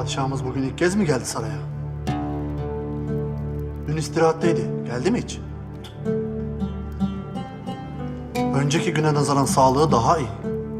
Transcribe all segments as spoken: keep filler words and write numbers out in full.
Padişahımız bugün ilk kez mi geldi saraya? Dün istirahatteydi. Geldi mi hiç? Önceki güne nazaran sağlığı daha iyi.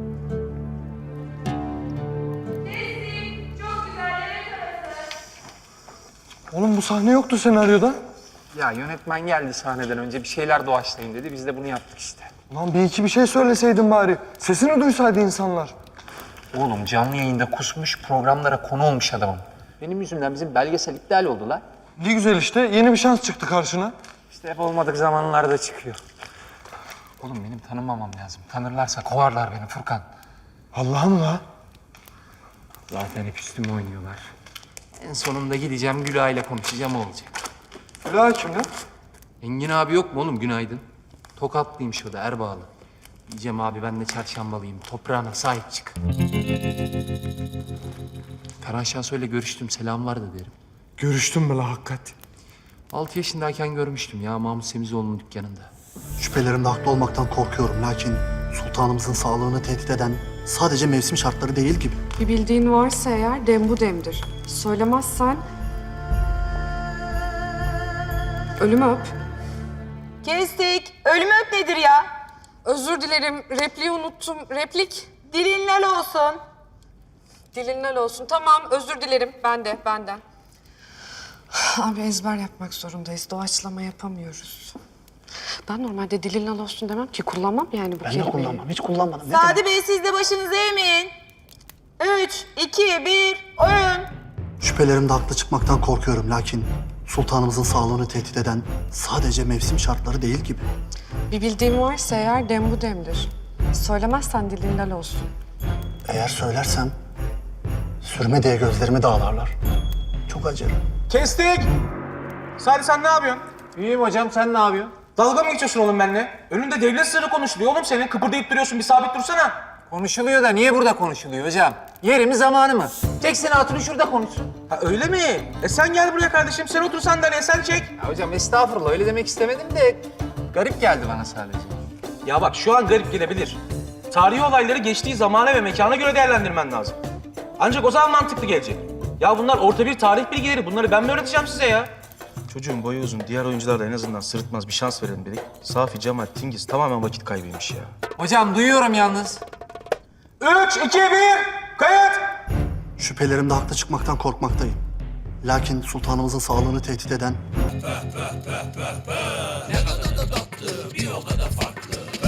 Oğlum bu sahne yoktu senaryoda. Ya yönetmen geldi sahneden önce bir şeyler doğaçlayın dedi. Biz de bunu yaptık işte. Ulan bir iki bir şey söyleseydin bari. Sesini duysaydı insanlar. Oğlum canlı yayında kusmuş, programlara konu olmuş adamım. Benim yüzümden bizim belgesel iptal oldu lan. Ne güzel işte. Yeni bir şans çıktı karşına. İşte hep olmadık zamanlarda çıkıyor. Oğlum benim tanınmamam lazım. Tanırlarsa kovarlar beni Furkan. Allah'ım la. Zaten hep üstüme oynuyorlar. En sonunda gideceğim Gülay'la konuşacağım o olacak. Gülay kim lan? Engin abi yok mu oğlum günaydın? Tokatlıymış o da Erbağlı. Diyeceğim abi ben de çarşambalıyım. Toprağına sahip çık. Ferhan Şahsoy'la görüştüm. Selamlar da derim. Görüştün mü la hakikat? Altı yaşındayken görmüştüm ya Mahmut Semizoğlu'nun dükkanında. Şüphelerimde haklı olmaktan korkuyorum. Lakin sultanımızın sağlığını tehdit eden sadece mevsim şartları değil gibi. Bir bildiğin varsa eğer dem bu demdir. Söylemezsen... Ölümü öp. Kestik. Ölümü öp nedir ya? Özür dilerim, repliği unuttum. Replik, Dilin lal olsun. dilinden olsun. Tamam, özür dilerim. Ben de, benden. Abi ezber yapmak zorundayız. Doğaçlama yapamıyoruz. Ben normalde dilinden olsun demem ki. Kullanmam yani bu Ben kelimeyi. de kullanmam. Hiç kullanmadım. Ne demek? Sadi Bey siz de başınızı eğmeyin. Üç, iki, bir, oyun. Şüphelerimde haklı çıkmaktan korkuyorum. Lakin sultanımızın sağlığını tehdit eden sadece mevsim şartları değil gibi. Bir bildiğin varsa eğer dem bu demdir. Söylemezsen dilinden olsun. Eğer söylersem sürme diye gözlerimi dağlarlar. Çok acır. Kestik. Sadi sen ne yapıyorsun? İyiyim hocam sen ne yapıyorsun? Dalga mı geçiyorsun oğlum benimle? Önünde devlet sırrı konuşuluyor oğlum senin. Kıpırdayıp duruyorsun. Bir sabit dursana. Konuşuluyor da niye burada konuşuluyor hocam? Yeri mi zamanı mı? Çeksin hatunu şurada konuşsun. Ha öyle mi? E sen gel buraya kardeşim. Sen otur sandalyeye sen çek. Ya hocam estağfurullah öyle demek istemedim de garip geldi bana sadece. Ya bak şu an garip gelebilir. Tarihi olayları geçtiği zamana ve mekana göre değerlendirmen lazım. Ancak o zaman mantıklı gelecek. Ya bunlar orta bir tarih bilgileri. Bunları ben mi öğreteceğim size ya? Çocuğun boyu uzun. Diğer oyuncular da en azından sırıtmaz bir şans verelim dedik. Safi, Cemal, Tingiz tamamen vakit kaybıymış ya. Hocam duyuyorum yalnız. Üç, iki, bir, kayıt! Şüphelerimde haklı çıkmaktan korkmaktayım. Lakin sultanımızın sağlığını tehdit eden